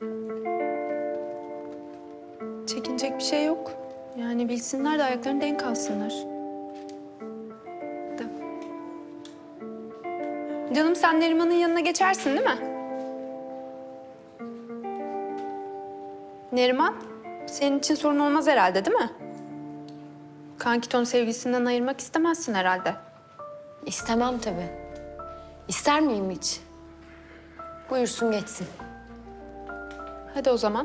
Çekinecek bir şey yok. Yani bilsinler de ayaklarını denk alsınlar. Da. Canım sen Neriman'ın yanına geçersin değil mi? Neriman, senin için sorun olmaz herhalde değil mi? Kankiton sevgisinden ayırmak istemezsin herhalde. İstemem tabii. İster miyim hiç? Buyursun geçsin. Hadi o zaman.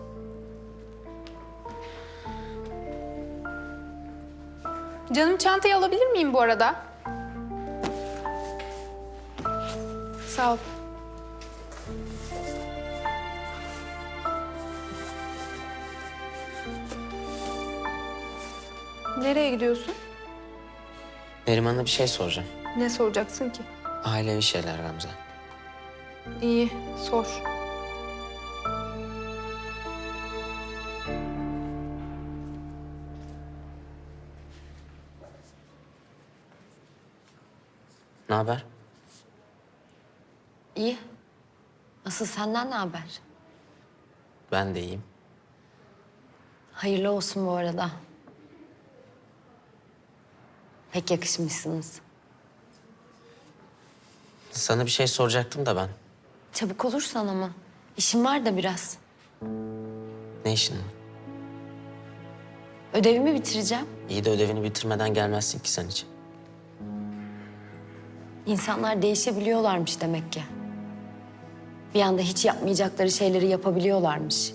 Canım çantayı alabilir miyim bu arada? Sağ ol. Nereye gidiyorsun? Neriman'a bir şey soracağım. Ne soracaksın ki? Ailevi şeyler Gamze. İyi, sor. Ne haber? İyi. Asıl senden ne haber? Ben de iyiyim. Hayırlı olsun bu arada. Pek yakışmışsınız. Sana bir şey soracaktım da ben. Çabuk olursan ama. İşim var da biraz. Ne işin var? Ödevimi bitireceğim. İyi de ödevini bitirmeden gelmezsin ki sen hiç. İnsanlar değişebiliyorlarmış demek ki. Bir anda hiç yapmayacakları şeyleri yapabiliyorlarmış.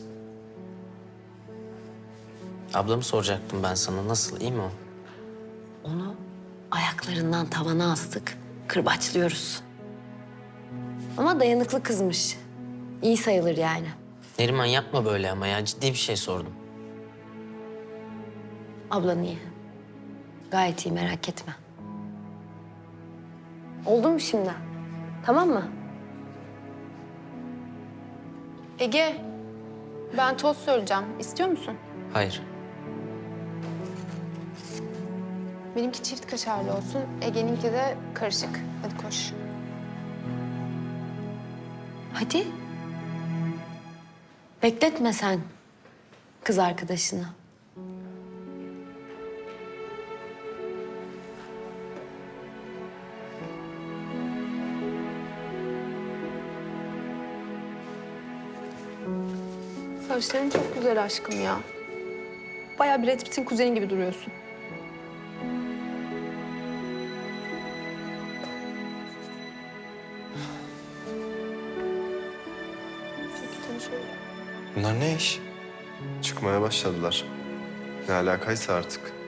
Ablamı soracaktım ben sana. Nasıl, iyi mi o? Onu ayaklarından tavana astık. Kırbaçlıyoruz. Ama dayanıklı kızmış. İyi sayılır yani. Neriman yapma böyle ama ya. Ciddi bir şey sordum. Ablan iyi. Gayet iyi, merak etme. Oldu mu şimdi? Tamam mı? Ege, ben tost söyleyeceğim. İstiyor musun? Hayır. Benimki çift kaşarlı olsun. Ege'ninki de karışık. Hadi koş. Hadi. Bekletme sen kız arkadaşını. Saçların çok güzel aşkım ya. Bayağı Brad Pitt'in kuzeni gibi duruyorsun. Çekil şöyle. Bunlar ne iş? Çıkmaya başladılar. Ne alakaysa artık.